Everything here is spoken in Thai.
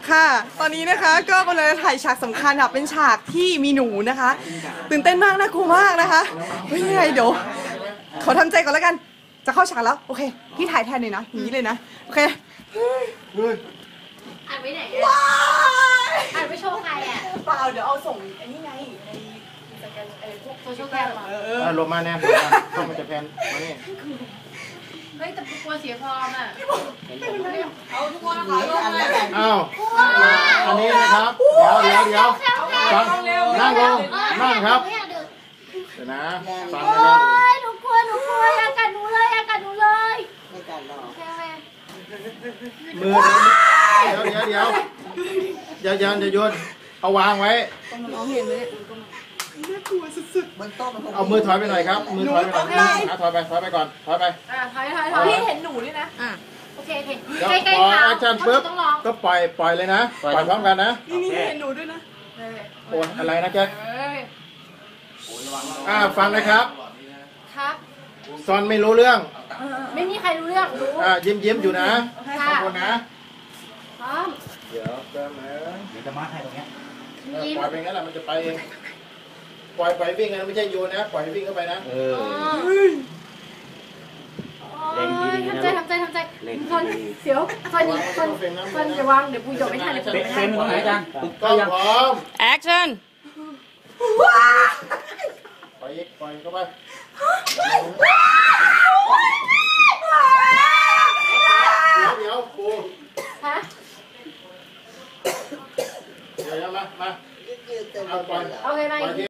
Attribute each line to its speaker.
Speaker 1: ค่ะตอนนี้นะคะก็กำลังจะถ่ายฉากสำคัญค่ะเป็นฉากที่มีหนูนะคะตื่นเต้นมากน่ากลัวมากนะคะเฮ้ยยังไงเดี๋ยวขอทำใจก่อนแล้วกันจะเข้าฉากแล้วโอเคพี่ถ่ายแทนเลยนะอย่างนี้เลยนะโอเค
Speaker 2: อ่านไว้ไหน
Speaker 1: ว้า
Speaker 2: อ่านไว้โชว์ใครอ่ะ
Speaker 1: เปล่าเดี๋ยวเอาส่งไอ้นี่ไงในสแกนไอ้พวก
Speaker 2: โซเชียลแคมอ่ะ
Speaker 3: ลงมาแน่ต้องมันจะแพนมานี่
Speaker 2: เฮ้ยแต่กลัวเสียฟอร์มอ่ะเอาทุกคนนะคะลงเลย
Speaker 3: อ้าวอันนี้นะครับเดี๋ยวฟังนั่งลงนั่งครับเดี๋ยวนะฟังนะครับ
Speaker 2: หนูกลัวอย่ากัดหนูเลยอย่ากัดหนูเลยไม่กัดหรอก
Speaker 3: มือเดี๋ยวอย่าโยนเอาวางไว้
Speaker 1: น้องเห็นไหมน่ากลัวสุดๆบนโต๊ะ
Speaker 3: เอามือถอยไปหน่อยครับมือถอยไปหน่อยถอยไปก่อนถอยไป
Speaker 2: ถอยพี่เห็นหนูด้วยนะโอเคใกล้ๆ
Speaker 3: พอแอคชั่นปุ๊บก็ปล่อยเลยนะปล่อยพร้อมกันนะ
Speaker 1: นี่เห็นหนูด้วยนะ
Speaker 3: โอนอะไรนะแจ๊คฟังนะครับ
Speaker 2: ครับ
Speaker 3: ซอนไม่รู้เรื่อง
Speaker 2: ไม่มีใครรู้เรื่องรู้
Speaker 3: ยิ้มอยู่นะขอบคุณนะ
Speaker 2: พร้อม
Speaker 3: เดี๋ยวแป๊บนึง
Speaker 4: เดี๋ยวจะมาให้ตรงนี้
Speaker 3: ปล่อยไปงั้นแหละมันจะไปเองปล่อยวิ่งนะไม่ใช่โยนนะปล่อยวิ่งเข้าไปนะ
Speaker 2: ทำใจคนเสียวคนอย่าวางเดี๋ยวปูจบไม่ทันเดี๋ยวปูไม่ทัน
Speaker 4: เฟรมตรงไหนจัง
Speaker 3: ก็พร้อม
Speaker 1: แอคชั่น
Speaker 3: ปล่อยเข้าไปเดี๋ยวปู
Speaker 2: ฮะ
Speaker 3: เดี๋ยวมาเอาปล่อย
Speaker 2: โอเคไหม